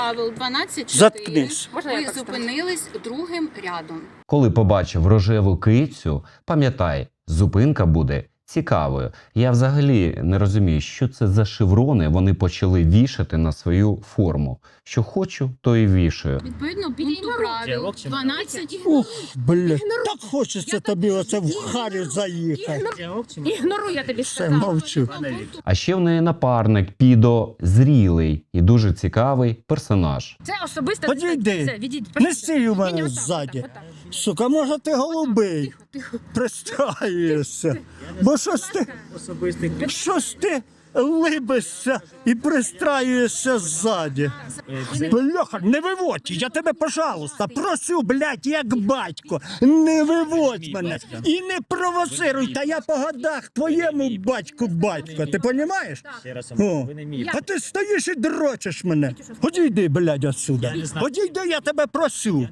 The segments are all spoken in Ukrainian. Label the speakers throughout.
Speaker 1: правил 12.4
Speaker 2: Заткнись.
Speaker 1: ви зупинились другим рядом.
Speaker 3: Коли побачив рожеву кицю, пам'ятай, зупинка буде цікавою. Я взагалі не розумію, що це за шеврони вони почали вішати на свою форму. Що хочу, то і вішаю.
Speaker 1: Відповідно, пункту правил 12.
Speaker 2: Ух, блядь, так хочеться тобі оце в харю заїхати.
Speaker 4: Ігноруй, я тобі
Speaker 2: Все,
Speaker 4: сказала.
Speaker 2: мовчу.
Speaker 3: А ще в неї напарник підозрілий і дуже цікавий персонаж.
Speaker 4: Це особисто.
Speaker 2: Підійди.
Speaker 4: Все, відійдіть.
Speaker 2: Не стій у мене
Speaker 4: Ні, отак,
Speaker 2: ззаді.
Speaker 4: отак.
Speaker 2: Сука, може ти голубий? Пристраєшся. Бо щось ти либишся і пристраюєшся ззаді. Бляха, не виводь, я тебе, пожалуйста, просю, блядь, як батько, не виводь мене і не провоцируй, та я по годах твоєму батьку, ти понімаєш? О, а ти стоїш і дрочиш мене. Одійди, блядь, отсюда. Одійди, я тебе просю.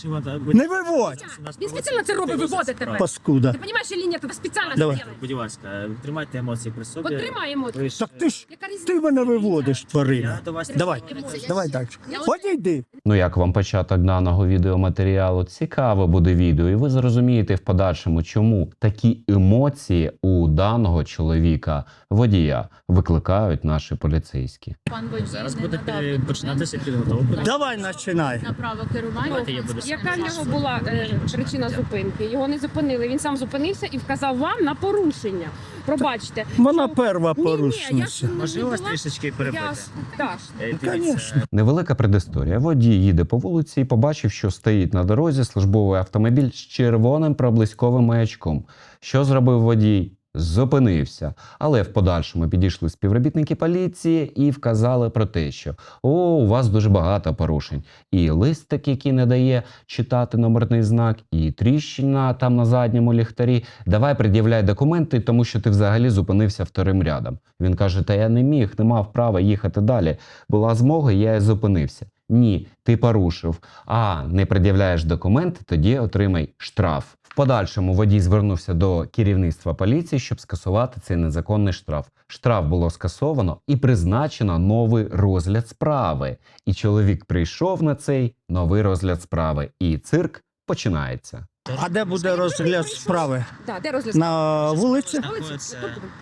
Speaker 2: Не виводь,
Speaker 4: Він спеціально це робить, виводить тебе.
Speaker 2: паскуда.
Speaker 4: Ти розумієш, лінія тебе спеціально це
Speaker 2: Давай.
Speaker 4: робить.
Speaker 5: Будь ласка, тримайте емоції при собі.
Speaker 4: Потримаємо.
Speaker 2: Так ти мене виводиш, тварина. Давай далі. Одійди.
Speaker 3: Ну як вам початок даного відеоматеріалу? Цікаве буде відео, і ви зрозумієте в подальшому, чому такі емоції у даного чоловіка, водія, викликають наші поліцейські.
Speaker 1: Пан водій
Speaker 5: Зараз
Speaker 1: не
Speaker 5: буде
Speaker 1: надав
Speaker 5: починатися підготовка.
Speaker 2: Давай починай.
Speaker 1: на право керування.
Speaker 5: Давайте я буду
Speaker 4: Яка в нього була причина зупинки? Його не зупинили. Він сам зупинився і вказав вам на порушення. Пробачте.
Speaker 2: Вона перва
Speaker 4: Ні,
Speaker 2: порушниця.
Speaker 4: я ж
Speaker 5: Можливо, вас трішечки перебити.
Speaker 4: Так.
Speaker 2: Конечно.
Speaker 3: Невелика предісторія. Водій їде по вулиці і побачив, що стоїть на дорозі службовий автомобіль з червоним проблисковим маячком. Що зробив водій? Зупинився. Але в подальшому підійшли співробітники поліції і вказали про те, що у вас дуже багато порушень. І листик, який не дає читати номерний знак, і тріщина там на задньому ліхтарі. Давай пред'являй документи, тому що ти взагалі зупинився вторим рядом. Він каже, та я не міг, не мав права їхати далі. Була змога, я і зупинився. Ні, ти порушив. А не пред'являєш документи, тоді отримай штраф. В подальшому водій звернувся до керівництва поліції, щоб скасувати цей незаконний штраф. Штраф було скасовано і призначено новий розгляд справи. І чоловік прийшов на цей новий розгляд справи. І цирк починається.
Speaker 2: А де буде розгляд справи?
Speaker 4: Так, де розгляд?
Speaker 2: На вулиці?
Speaker 4: На вулиці.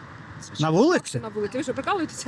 Speaker 2: На вулиці?
Speaker 4: На вулиці. Ви що, прикалуєтеся?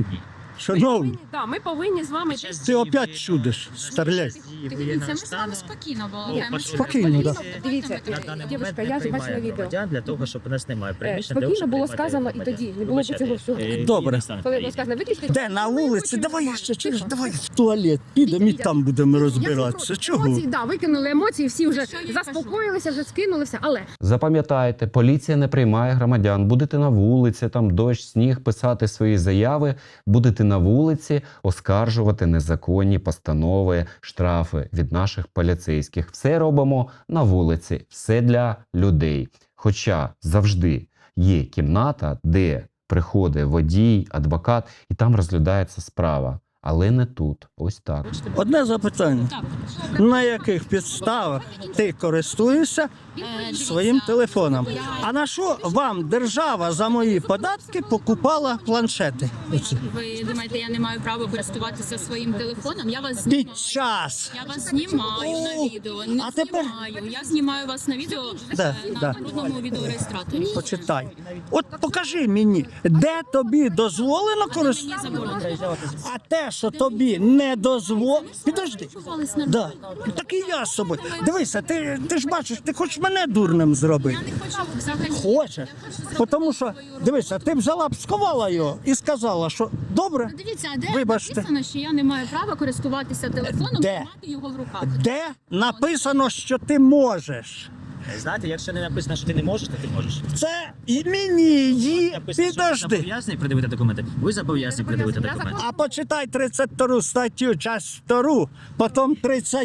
Speaker 2: Шановні,
Speaker 4: Ми повинні з вами...
Speaker 2: ти опять чудиш, старляй.
Speaker 1: Дивіться, ми з вами спокійно балакаємо.
Speaker 2: Спокійно, так.
Speaker 4: Дивіться, дівчинка, я ж бачила відео.
Speaker 5: Для того, щоб у нас немає приміщення.
Speaker 4: Спокійно було сказано і тоді. Не було б цього всього.
Speaker 2: Добре.
Speaker 4: Коли було сказано, виключити...
Speaker 2: Де на вулиці? Давай я ще чуєш, давай в туалет. Підемо і там будемо розбиратися. Чого?
Speaker 4: Емоції, да, викинули емоції, всі вже заспокоїлися, вже скинулися, але...
Speaker 3: Запам'ятайте, поліція не приймає громадян. Будете на вулиці, там дощ, сніг, писати свої заяви, будете на вулиці оскаржувати незаконні постанови, штрафи від наших поліцейських. Все робимо на вулиці, все для людей. Хоча завжди є кімната, де приходить водій, адвокат, і там розглядається справа. Але не тут. Ось так.
Speaker 2: Одне запитання. На яких підставах ти користуєшся своїм телефоном? А на що вам держава за мої податки покупала планшети? Оці.
Speaker 1: Ви думаєте, я не маю права користуватися своїм телефоном? Я вас знімаю.
Speaker 2: Під час.
Speaker 1: Я вас знімаю на відео. Не
Speaker 2: А тепер-
Speaker 1: знімаю. Я знімаю вас на відео
Speaker 2: Да,
Speaker 1: на
Speaker 2: да.
Speaker 1: народному відеореєстраторі.
Speaker 2: Почитай. От покажи мені, де тобі дозволено користуватися?
Speaker 1: Мені заборонено.
Speaker 2: А те, що тобі не дозволено... Підожди.
Speaker 1: Спілкувались на
Speaker 2: Да. Так і я з собою. Дивися, ти ж бачиш, ти хочеш мене дурним зробити.
Speaker 1: Я не хочу взагалі.
Speaker 2: Хочеш. Тому що, дивися, ти взяла б, сховала його і сказала, що добре,
Speaker 1: Дивіться, а де
Speaker 2: Вибачте.
Speaker 1: написано, що я не маю права користуватися телефоном
Speaker 2: Де?
Speaker 1: і мати його в руках.
Speaker 2: де написано, що ти можеш.
Speaker 5: Знаєте, якщо не написано, що ти не можеш, то ти можеш.
Speaker 2: Це і мені її.
Speaker 5: Написано, що ви
Speaker 2: Підожди.
Speaker 5: зобов'язані придивити документи. Ви зобов'язані придивити документи.
Speaker 2: А почитай 32 статтю, часть 2, потім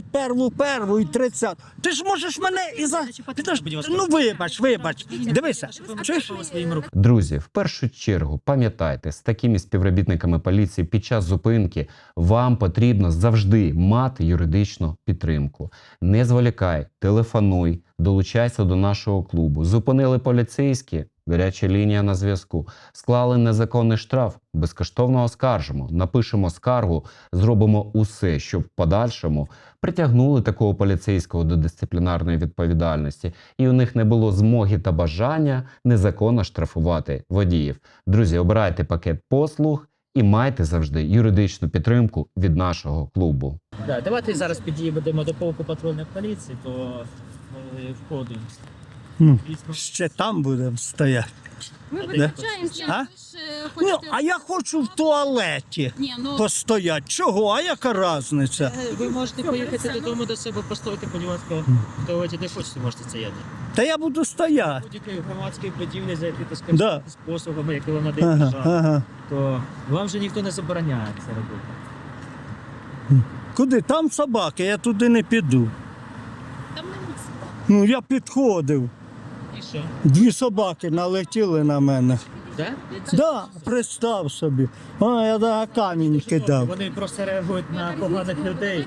Speaker 2: 31 першу і 30. Ти ж можеш мене і за... Підожди. Ну вибач. Дивися, чуєш?
Speaker 5: Своїми руками.
Speaker 3: Друзі, в першу чергу, пам'ятайте, з такими співробітниками поліції під час зупинки вам потрібно завжди мати юридичну підтримку. Не зволікай, телефонуй, долучайся до нашого клубу. Зупинили поліцейські? гаряча лінія на зв'язку. Склали незаконний штраф, безкоштовно оскаржимо, напишемо скаргу, зробимо усе, щоб в подальшому притягнули такого поліцейського до дисциплінарної відповідальності, і у них не було змоги та бажання незаконно штрафувати водіїв. Друзі, обирайте пакет послуг і майте завжди юридичну підтримку від нашого клубу.
Speaker 5: Да, давайте зараз підійдемо до полку патрульної поліції, то ми входимо.
Speaker 2: Ну, ще там будемо стояти.
Speaker 4: Ми
Speaker 2: Да?
Speaker 4: виключаємо
Speaker 1: Ні,
Speaker 2: А?
Speaker 1: ви ж
Speaker 2: Ну,
Speaker 1: хочете...
Speaker 2: а я хочу в туалеті
Speaker 1: Ні, ну,
Speaker 2: постояти. Чого? А яка різниця?
Speaker 5: Ви можете поїхати додому до себе, постояти, будь ласка, в туалеті де хочете, можете стояти.
Speaker 2: Та я буду стояти.
Speaker 5: Будь-якої громадської будівлі зайти та
Speaker 2: Да.
Speaker 5: скористатися послугами, які вам надає
Speaker 2: Ага,
Speaker 5: держава,
Speaker 2: ага.
Speaker 5: то вам же ніхто не забороняє це робити.
Speaker 2: Куди? Там собаки, я туди не піду.
Speaker 1: там не місце.
Speaker 2: Ну, я підходив.
Speaker 5: І що?
Speaker 2: 2 собаки налетіли на мене.
Speaker 5: Да?
Speaker 2: Да, представ собі. А, я да, камінь кидав.
Speaker 5: Вони просто реагують на поганих людей.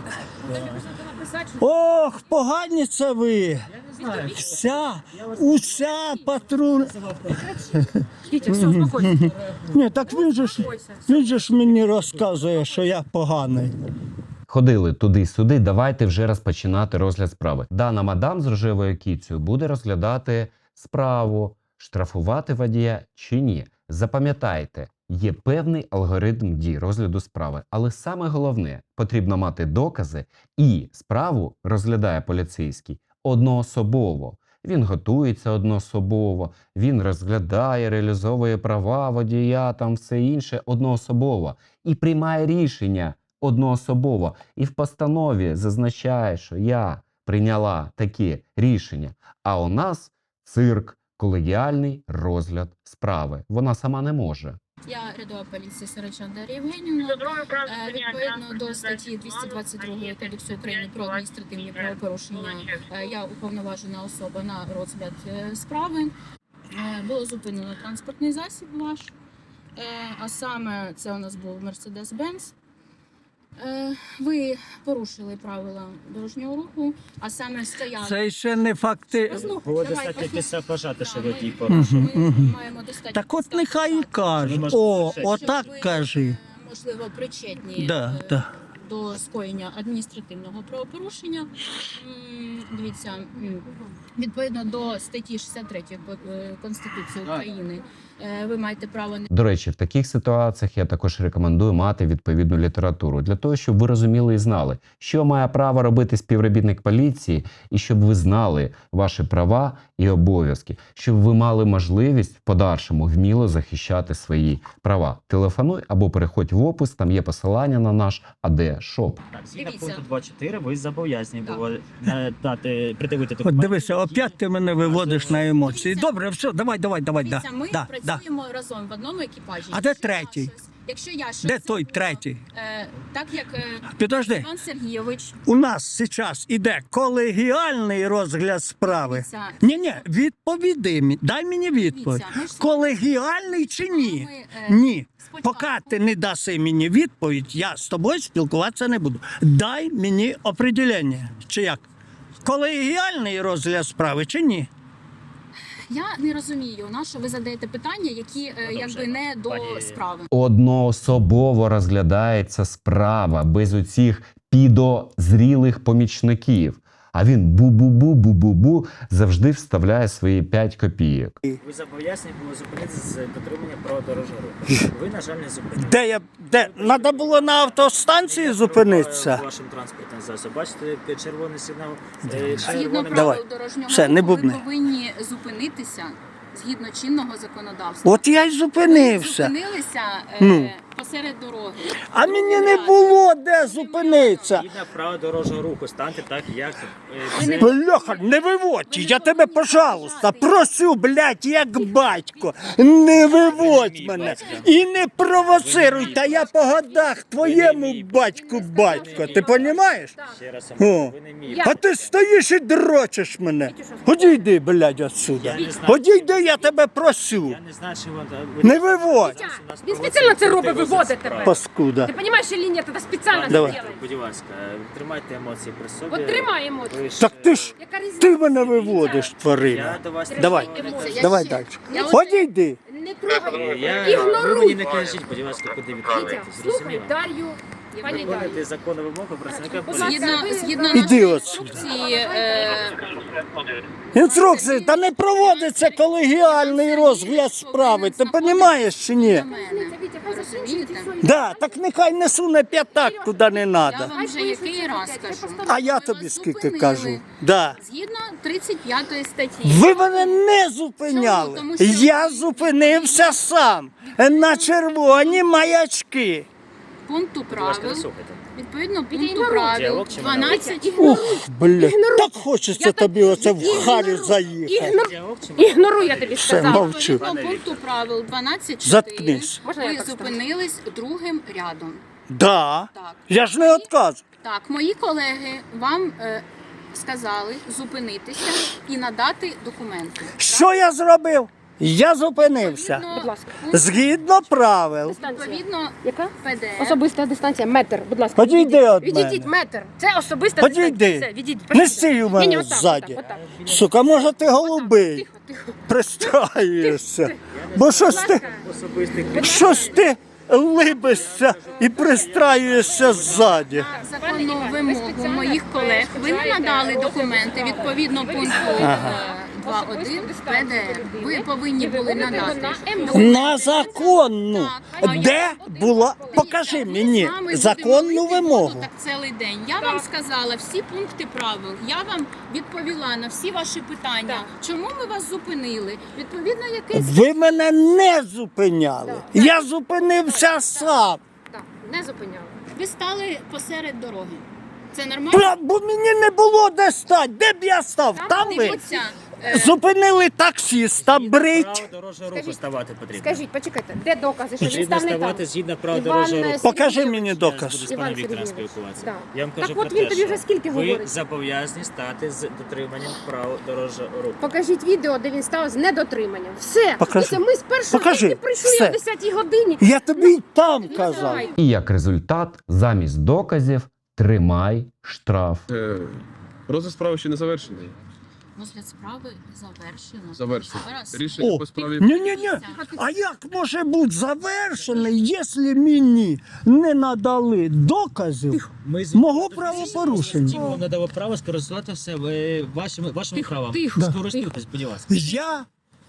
Speaker 2: Ох, погані це ви.
Speaker 5: Я не знаю.
Speaker 2: Уся патруль.
Speaker 4: Вітя, все, успокойся.
Speaker 2: Ні, так він же ж мені розказує, що я поганий.
Speaker 3: Ходили туди-сюди, давайте вже розпочинати розгляд справи. Дана мадам з рожевою кіцею буде розглядати справу, штрафувати водія чи ні. Запам'ятайте, є певний алгоритм дій розгляду справи, але саме головне, потрібно мати докази, і справу розглядає поліцейський одноособово. Він готується одноособово, він розглядає, реалізовує права водія, там все інше одноособово і приймає рішення одноособово. І в постанові зазначає, що я прийняла такі рішення. А у нас цирк, колегіальний розгляд справи. Вона сама не може.
Speaker 1: Я рядова поліції Сарачан Дар'я Євгенівна. Відповідно до статті 222 Кодексу України про адміністративні правопорушення, я уповноважена особа на розгляд справи. Було зупинено транспортний засіб ваш, а саме це у нас був Mercedes-Benz. Ви порушили правила дорожнього руху, а саме стояли.
Speaker 2: Це ще не факти.
Speaker 5: Було достатньо після вважати, що водій порушив.
Speaker 1: Ми маємо достатньо.
Speaker 2: Так от
Speaker 1: підстав
Speaker 2: нехай і
Speaker 1: вважати,
Speaker 2: каже.
Speaker 5: можете
Speaker 2: О,
Speaker 5: лише-
Speaker 2: отак
Speaker 1: що ви,
Speaker 2: кажи.
Speaker 1: можливо, причетні
Speaker 2: Да, да.
Speaker 1: до скоєння адміністративного правопорушення. Дивіться, відповідно до статті 63 Конституції України, ви маєте право не
Speaker 3: До речі, в таких ситуаціях я також рекомендую мати відповідну літературу для того, щоб ви розуміли і знали, що має право робити співробітник поліції, і щоб ви знали ваші права і обов'язки, щоб ви мали можливість в подальшому вміло захищати свої права. Телефонуй або переходь в опис, там є посилання на наш АД-шоп.
Speaker 5: Так, згідно
Speaker 1: Дивіться.
Speaker 5: пункту 2.4 ви зобов'язані
Speaker 1: Так.
Speaker 5: було придивити
Speaker 2: От
Speaker 5: документи.
Speaker 2: дивися, опять ти мене виводиш на емоції. Добре, все, давай.
Speaker 1: дивіться, ми
Speaker 2: Да.
Speaker 1: працюємо разом в одному екіпажі.
Speaker 2: А де
Speaker 1: Якщо я
Speaker 2: третій?
Speaker 1: Якщо я щось
Speaker 2: Де той
Speaker 1: зробила,
Speaker 2: третій?
Speaker 1: Так як
Speaker 2: Підожди,
Speaker 1: Іван Сергійович,
Speaker 2: у нас зараз іде колегіальний розгляд справи.
Speaker 1: дивіться,
Speaker 2: Ні, відповіди мені. Дай мені відповідь.
Speaker 1: дивіться, ми ж
Speaker 2: Колегіальний чи ні?
Speaker 1: ми,
Speaker 2: Ні.
Speaker 1: спочатку-
Speaker 2: Поки ти не даси мені відповідь, я з тобою спілкуватися не буду. Дай мені определення. Чи як? Колегіальний розгляд справи чи ні?
Speaker 1: Я не розумію, на що ви задаєте питання, які якби не до
Speaker 5: Пані-
Speaker 1: справи.
Speaker 3: Одноособово розглядається справа без оцих підозрілих помічників. А він бу-бу-бу-бу-бу-бу завжди вставляє свої 5 копійок.
Speaker 5: Ви зобов'язані були зупинитися з дотримання правил дорожнього руху. Ви, на жаль, не зупинили.
Speaker 2: Де? Треба було на автостанції зупинитися.
Speaker 5: Вашим транспортним засобом. Бачите, червоний сигнал.
Speaker 1: Згідно
Speaker 2: Давай.
Speaker 1: правил дорожнього
Speaker 2: Все, не
Speaker 1: руху, ви
Speaker 2: бубни.
Speaker 1: повинні зупинитися згідно чинного законодавства.
Speaker 2: От я й зупинився.
Speaker 1: Зупинилися
Speaker 2: Ну.
Speaker 1: посеред дороги.
Speaker 2: А мені не було де зупинитися.
Speaker 5: Згідно правил дорожнього руху, станьте так, як
Speaker 1: Ви не-
Speaker 2: Бляха, не виводь, я тебе, пожалуйста, просю, блядь, як батько, не виводь мене і не провоцируй, та я по годах твоєму батьку батько, ти понімаєш?
Speaker 5: ще раз
Speaker 2: О.
Speaker 5: ви не вмієте.
Speaker 2: А ти стоїш і дрочиш мене. Одійди, блядь, отсюда.
Speaker 5: Я не знаю.
Speaker 2: Одійди, я тебе просю.
Speaker 5: Я не знаю, чи ви...
Speaker 2: Не виводь.
Speaker 4: Він спеціально це робить, виводить. виводить тебе.
Speaker 2: паскуда.
Speaker 4: Ти розумієш, що лінія тоді спеціально
Speaker 2: Давай.
Speaker 4: зробила?
Speaker 5: Будь ласка, тримайте емоції при собі.
Speaker 4: От тримай емоції.
Speaker 5: Ви ж,
Speaker 2: Так ти ж,
Speaker 4: Яка різниця?
Speaker 2: ти мене виводиш,
Speaker 5: Я
Speaker 2: тварина.
Speaker 5: до вас
Speaker 2: Давай,
Speaker 1: Дивіться, я
Speaker 2: давай
Speaker 1: ще-
Speaker 2: далі.
Speaker 1: Я
Speaker 2: Одійди.
Speaker 4: Не трогай.
Speaker 5: Ви
Speaker 4: Ігноруй.
Speaker 5: мені не кажіть, будь ласка, куди
Speaker 4: Вітя,
Speaker 5: відправляєтесь.
Speaker 4: слухай
Speaker 5: Зрозуміло?
Speaker 4: Дар'ю, пані Дар'ю.
Speaker 5: Виконуйте законну вимогу працівника
Speaker 4: Будь ласка,
Speaker 5: поліції.
Speaker 1: Згідно
Speaker 2: Іди
Speaker 1: нашої
Speaker 2: отсюди.
Speaker 1: інструкції,
Speaker 2: Інструкції, та не проводиться колегіальний розгляд справи. Ти розумієш чи ні?
Speaker 1: до мене.
Speaker 4: Вітя, хай закінчується, і все.
Speaker 2: Да, так нехай не суне п'ятак, куди не
Speaker 1: Я
Speaker 2: треба.
Speaker 1: вам вже який раз кажу.
Speaker 2: А я
Speaker 1: Ми
Speaker 2: тобі
Speaker 1: вас
Speaker 2: скільки
Speaker 1: зупинили.
Speaker 2: кажу. Да.
Speaker 1: Згідно 35 статті.
Speaker 2: Ви мене не зупиняли.
Speaker 1: Чому? Тому що
Speaker 2: Я
Speaker 1: ви-
Speaker 2: зупинився сам на червоні маячки.
Speaker 1: Пункту
Speaker 5: Будь ласка,
Speaker 1: правил.
Speaker 5: дослухайте.
Speaker 1: Відповідно пункту
Speaker 4: ігноруй.
Speaker 1: правил
Speaker 5: Діалог чи монолог?
Speaker 1: 12
Speaker 2: Ух, бля, так хочеться
Speaker 4: Я
Speaker 2: тобі оце в харю заїхати.
Speaker 5: Діалог чи монолог?
Speaker 4: Ігноруй, я тобі
Speaker 2: Все,
Speaker 4: сказала.
Speaker 2: мовчу.
Speaker 1: Відповідно пункту правил 12.4
Speaker 2: Заткнись.
Speaker 4: Можна я
Speaker 1: ви
Speaker 4: так скажу?
Speaker 1: зупинились другим рядом.
Speaker 2: Да.
Speaker 1: Так.
Speaker 2: Я ж не відказую.
Speaker 1: Так, мої колеги вам сказали зупинитися і надати документи.
Speaker 2: Що я зробив? Я зупинився.
Speaker 4: Будь ласка.
Speaker 2: Згідно правил.
Speaker 1: Відповідно,
Speaker 4: Яка?
Speaker 1: ПДР.
Speaker 4: Особиста дистанція, метр, будь ласка.
Speaker 2: Підійди від
Speaker 4: Відійдіть,
Speaker 2: мене.
Speaker 4: метр. Це особиста
Speaker 2: Підійди.
Speaker 4: дистанція. Все, відійдіть.
Speaker 2: Не стій у мене
Speaker 4: Ні-ні, отак,
Speaker 2: ззаді.
Speaker 4: отак, отак.
Speaker 2: Сука, може ти голубий?
Speaker 4: Тихо, тихо.
Speaker 2: Пристраєшся. Бо щось ти,
Speaker 5: Особистий
Speaker 2: щось ти либишся і пристраюєшся ззаді.
Speaker 1: Законну вимогу моїх колег ви не надали документи відповідно пункту 2.1 ПДР. Ви повинні були надати.
Speaker 2: На законну. Де була? Покажи мені
Speaker 1: З вами будемо
Speaker 2: законну
Speaker 1: йти
Speaker 2: вимогу.
Speaker 1: воду Так цілий день. Я вам сказала всі пункти правил. Я вам відповіла на всі ваші питання. Чому ми вас зупинили? Відповідно, якийсь
Speaker 2: Ви мене не зупиняли. Я зупинився сам.
Speaker 4: Так, не зупиняли.
Speaker 1: ви стали посеред дороги. Це нормально?
Speaker 2: Бо мені не було де стати. Де б я став? Там ви
Speaker 1: Дивіться,
Speaker 2: зупинили таксіста,
Speaker 5: Право
Speaker 2: брить.
Speaker 5: дорожнього руху
Speaker 4: Скажіть,
Speaker 5: ставати потрібно.
Speaker 4: Скажіть, почекайте, де докази, що він
Speaker 5: Потрібно
Speaker 4: став не там?
Speaker 5: ставати згідно правил
Speaker 4: Іван
Speaker 5: дорожнього руху.
Speaker 2: Покажи мені
Speaker 5: Я буду
Speaker 2: доказ.
Speaker 5: з
Speaker 4: Іван
Speaker 5: паном Віктором
Speaker 4: Сергійович,
Speaker 5: спілкуватися.
Speaker 4: да.
Speaker 5: Я вам
Speaker 4: Так
Speaker 5: кажу
Speaker 4: от
Speaker 5: про
Speaker 4: він
Speaker 5: те,
Speaker 4: тобі вже
Speaker 5: що
Speaker 4: скільки
Speaker 5: ви
Speaker 4: говорить?
Speaker 5: зобов'язані стати з дотриманням правил дорожнього руху.
Speaker 4: Покажіть відео, де він став з недотриманням. Все.
Speaker 2: Покажи.
Speaker 4: Дивіться, ми з першого
Speaker 2: Покажи.
Speaker 4: дня прийшли
Speaker 2: Все.
Speaker 4: о 10-й годині.
Speaker 2: Я тобі й там казав.
Speaker 4: Давай.
Speaker 3: І як результат, замість доказів тримай штраф.
Speaker 6: Розгляд справи ще не завершений.
Speaker 1: розгляд справи завершено.
Speaker 6: Завершений.
Speaker 1: Зараз.
Speaker 6: Рішення
Speaker 2: О,
Speaker 6: по справі.
Speaker 2: ні. А як може бути завершений, якщо мені не надали доказів мого правопорушення?
Speaker 5: Ми вам надамо право скористуватися вашими правами.
Speaker 4: тихо,
Speaker 5: Скористуйтесь, будь ласка.
Speaker 2: Я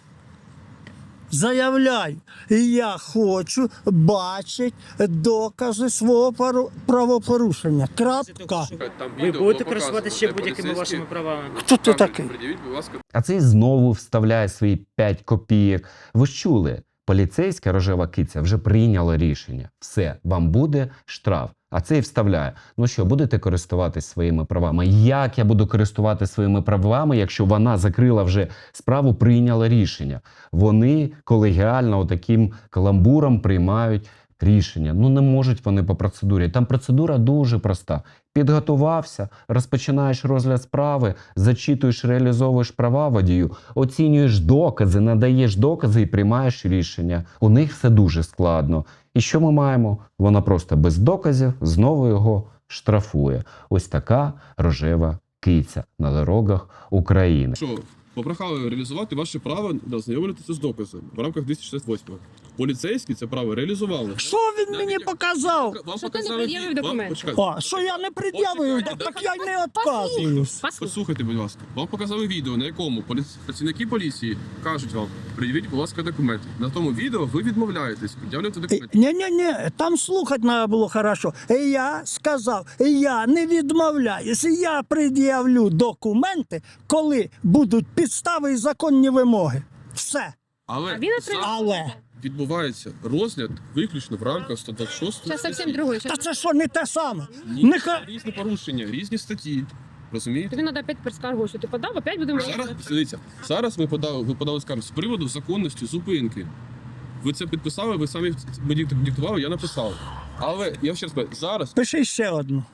Speaker 2: заявляю, я хочу бачити докази свого правопорушення. Крапка.
Speaker 6: Там
Speaker 5: Ви
Speaker 6: відео
Speaker 5: будете
Speaker 6: було
Speaker 5: користуватися ще
Speaker 6: показано, де
Speaker 5: будь-якими
Speaker 6: поліцейські-
Speaker 5: вашими правами.
Speaker 2: Хто ти
Speaker 6: Так,
Speaker 2: такий?
Speaker 6: пред'явіть, будь ласка,
Speaker 3: А цей знову вставляє свої 5 копійок. Ви ж чули, поліцейська рожева киця вже прийняла рішення. Все, вам буде штраф. А цей вставляє. Ну що, будете користуватись своїми правами? Як я буду користуватися своїми правами, якщо вона закрила вже справу, прийняла рішення? Вони колегіально отаким каламбуром приймають рішення. Ну не можуть вони по процедурі. Там процедура дуже проста. Підготувався, розпочинаєш розгляд справи, зачитуєш, реалізовуєш права водію, оцінюєш докази, надаєш докази і приймаєш рішення. У них все дуже складно. І що ми маємо? Вона просто без доказів знову його штрафує. Ось така рожева киця на дорогах України.
Speaker 6: що попрохали реалізувати ваше право ознайомитися з доказами в рамках 268. Поліцейські це право реалізували.
Speaker 2: Що він мені показав?
Speaker 6: Вам
Speaker 4: Що ти не
Speaker 6: показали
Speaker 4: пред'явив
Speaker 6: вам-
Speaker 4: документи?
Speaker 6: почекайте.
Speaker 2: А, що я не пред'явив, так я й не відказуюсь.
Speaker 6: Послухайте, будь ласка, вам показали відео, на якому працівники поліції кажуть вам, пред'явіть, будь ласка, документи. На тому відео ви відмовляєтесь пред'являти документи.
Speaker 2: Ні, там слухати треба було хорошо. Я сказав, я не відмовляюсь, я пред'явлю документи, коли будуть підстави і законні вимоги. Все.
Speaker 6: Але
Speaker 4: він отримав-
Speaker 2: Але.
Speaker 6: відбувається розгляд виключно в рамках 126
Speaker 4: Це зовсім другий.
Speaker 2: Та це що, не те саме?
Speaker 6: Ні,
Speaker 2: Нехай.
Speaker 6: різні порушення, різні статті. Розумієте?
Speaker 4: Тобі треба опять перескаргу, що ти подав, опять будемо...
Speaker 6: Зараз, дивіться, зараз ви подали скаргу з приводу законності зупинки. Ви це підписали, ви самі мені диктували, я написав. Але я ще раз кажу, зараз
Speaker 2: Пиши ще одну.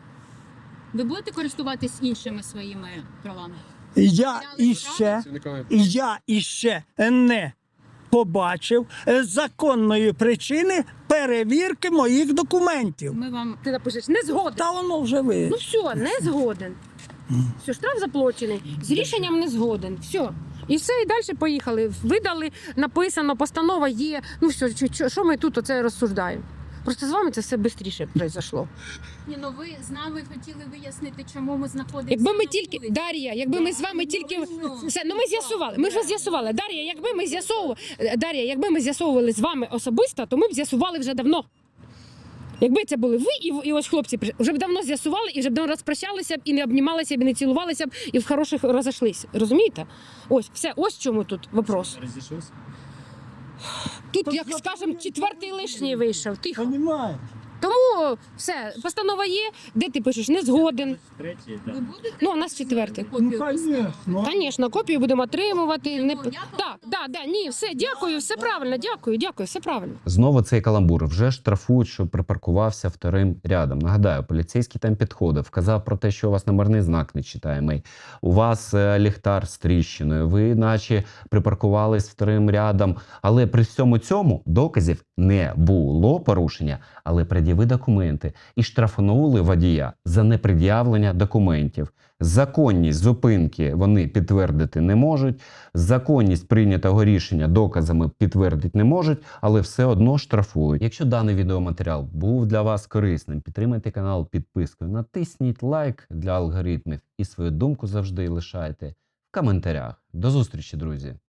Speaker 1: Ви будете користуватись іншими своїми правами?
Speaker 2: Я іще
Speaker 6: працівниками
Speaker 2: не побачив законної причини перевірки моїх документів.
Speaker 1: Ми вам
Speaker 4: Ти напишеш не згоден.
Speaker 2: Та воно вже ви.
Speaker 4: Ну все, не згоден. Все, штраф заплачений. З рішенням не згоден. Все. І все, і далі поїхали. Видали, написано, постанова є. Ну все, що ми тут оце розсуждаємо? Просто з вами це все швидше пройшло.
Speaker 1: ні, ну ви з нами хотіли вияснити, чому ми знаходимося.
Speaker 4: Якби ми
Speaker 1: на
Speaker 4: тільки
Speaker 1: вулиці.
Speaker 4: Дар'я, якби ми з вами тільки все, ну ми з'ясували. Ми ж вас з'ясували. Дар'я, якби ми з'ясовували з вами особисто, то ми б з'ясували вже давно. Якби це були ви і ось хлопці, вже б давно з'ясували і вже б давно розпрощалися б, і не обнімалися б, і не цілувалися б, і в хороших розійшлися. Розумієте? Ось, все, ось в чому тут вопрос.
Speaker 5: Розійшовся?
Speaker 4: Тут, як скажемо, четвертий лишній вийшов. Тихо.
Speaker 2: Понімаєш?
Speaker 4: Тому все, постанова є, де ти пишеш не згоден.
Speaker 5: Третій,
Speaker 1: Ви
Speaker 5: так.
Speaker 1: будете
Speaker 4: Ну, у нас четвертий.
Speaker 2: Ну,
Speaker 1: копію
Speaker 2: звісно.
Speaker 4: Звісно, копію будемо отримувати. Не...
Speaker 1: Ну, я
Speaker 4: Так, ні, все, дякую, все правильно, дякую, все правильно.
Speaker 3: Знову цей каламбур. Вже штрафують, що припаркувався вторим рядом. Нагадаю, поліцейський там підходив, вказав про те, що у вас номерний знак нечитаємий, у вас ліхтар з тріщиною, ви наче припаркувались вторим рядом. Але при всьому цьому доказів не було порушення, але пред'яви документи. І штрафанули водія за непред'явлення документів. Законність зупинки вони підтвердити не можуть, законність прийнятого рішення доказами підтвердити не можуть, але все одно штрафують. Якщо даний відеоматеріал був для вас корисним, підтримайте канал підпискою, натисніть лайк для алгоритмів і свою думку завжди лишайте в коментарях. До зустрічі, друзі!